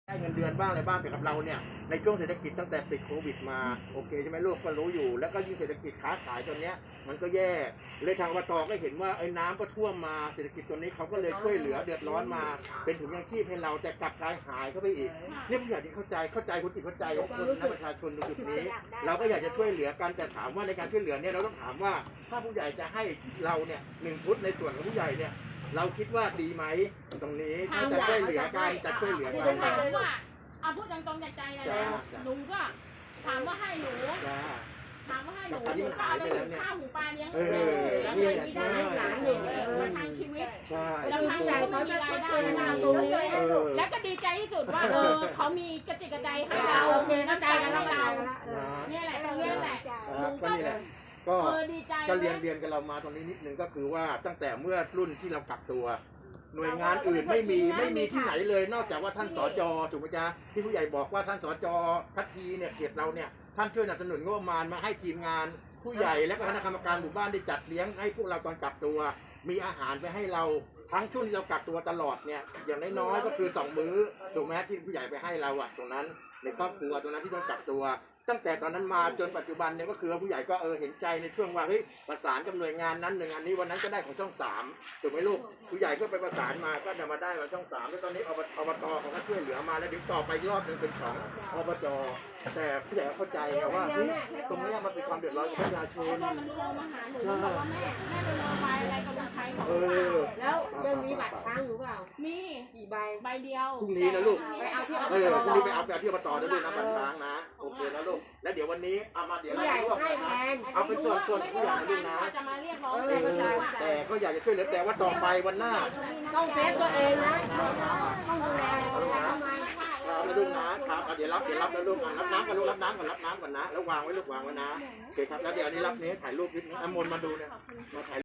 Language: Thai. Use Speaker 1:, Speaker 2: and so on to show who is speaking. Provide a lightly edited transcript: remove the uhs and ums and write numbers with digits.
Speaker 1: ได้เงินเดือนบ้างอะไรบ้างแต่กับเราเนี่ยในช่วงเศรษฐกิจตั้งแต่ติดโควิดมาโอเคใช่ไหมลูกก็รู้อยู่แล้วก็ยิ่งเศรษฐกิจค้าขายตอนเนี้ยมันก็แย่เลยทางอบตก็เห็นว่าไอ้น้ำก็ท่วมมาเศรษฐกิจตัวนี้เขาก็เลยช่วยเหลือเดือดร้อนมาเป็นถุงยางชีพให้เราแต่กลับกลายหายเข้าไปอีกเนี่ยผู้ใหญ่ที่เข้าใจคนจิตเข้าใจของคนและประชาชนตรงจุดนี้เราก็อยากจะช่วยเหลือกันแต่ถามว่าในการช่วยเหลือเนี่ยเราต้องถามว่าถ้าผู้ใหญ่จะให้เราเนี่ย1 ฟุตในส่วนของผู้ใหญ่เนี่ยเราคิดว่าดีไหมตรงนี้ถ้าจะช่วยเหลือกันจะช่วยเหลือกัน
Speaker 2: เอาพูดตรงๆจากใจเลยหนูก็ถามว่าให้หนูถามว่าให้หนูก็เอาไปถึงข้าวหูปลาเลี้ยงแล้วเงินนี้ได้หลานหนูมาทางชีวิตแล้วทางใจเขาจะชดเชยเราตรงนี้แล้วก็ดีใจที่สุดว่าเขามีกระจิกกระใจให้เราน้ำใจให้เราเนี่ยแหละตรงนี้แหละ
Speaker 1: ก็ดีใจก็เรียนกันเรามาตรงนี้นิดนึงก็คือว่าตั้งแต่เมื่อรุ่นที่เรากักตัวหน่วยงานอื่นไม่มีที่ไหนเลยนอกจากว่าท่านสจ.ถูกไหมจ๊ะที่ผู้ใหญ่บอกว่าท่านสจ.พัททีเนี่ยเขตเราเนี่ยท่านช่วยสนับสนุนงบประมาณมาให้ทีมงานผู้ใหญ่และคณะกรรมการหมู่บ้านได้จัดเลี้ยงให้พวกเราตอนกักตัวมีอาหารไปให้เราทั้งช่วงที่เรากักตัวตลอดเนี่ยอย่างน้อยๆก็คือ2 มื้อถูกไหมที่ผู้ใหญ่ไปให้เราตรงนั้นในครอบครัวตรงนั้นที่ต้องกักตัวตั้งแต่ตอนนั้นมาจนปัจจุบันเนี่ยก็คือผู้ใหญ่ก็เห็นใจในช่วงว่าเฮ้ยประสานกับหน่วยงานนั้นหน่วยงานนี้วันนั้นก็ได้ของช่อง3ถูกไหมลูกผู้ใหญ่ก็ไปประสานมาก็จะมาได้ของช่อง3แล้วตอนนี้อบตเขาก็ช่วยเหลือมาแล้วเดี๋ยวต่อไปรอบนึงเป็นของอบจแต่ผู้ใหญ่เข้าใจไงว่าตรงนี้มันเป็นความเดือดร้อนของประชาชน
Speaker 2: แล้วมันโทรมาหาหนูบอกว่าแม่เป็นโมบายอะไรกำลังใช้ของ
Speaker 3: แล้วยังมีบัตรค้างอยู่เปล่า
Speaker 2: มี
Speaker 3: กี่ใบ
Speaker 2: เดียว
Speaker 1: พรุ่งนี้นะลูก
Speaker 3: ไปเอาที่อบ
Speaker 1: ตพรุ่งนี้ไปเอาที่อบตนะลูกนะบัตรค้างนะโอเคนะลูกแล้วเดี๋ยววันนี้เอามาเดี๋ยวเรา
Speaker 3: ให้แทน
Speaker 1: เอาเป็นส่วนผู้ใหญ่นะลูกนะแต่ก็อยากจะช่วยเหลือแต่ว่าต่อไปวันหน้า
Speaker 3: ต้องเซฟตัวเองนะต้องดูแล
Speaker 1: ลูกนะครับเดี๋ยวรับแล้วลูกรับน้ำก่อนลูกรับน้ำก่อนนะแล้ววางไว้ลูกวางไว้นะโอเคครับแล้วเดี๋ยวนี้รับนี้ถ่ายรูปนิดนึงมนมาดูเนี่ยมาถ่าย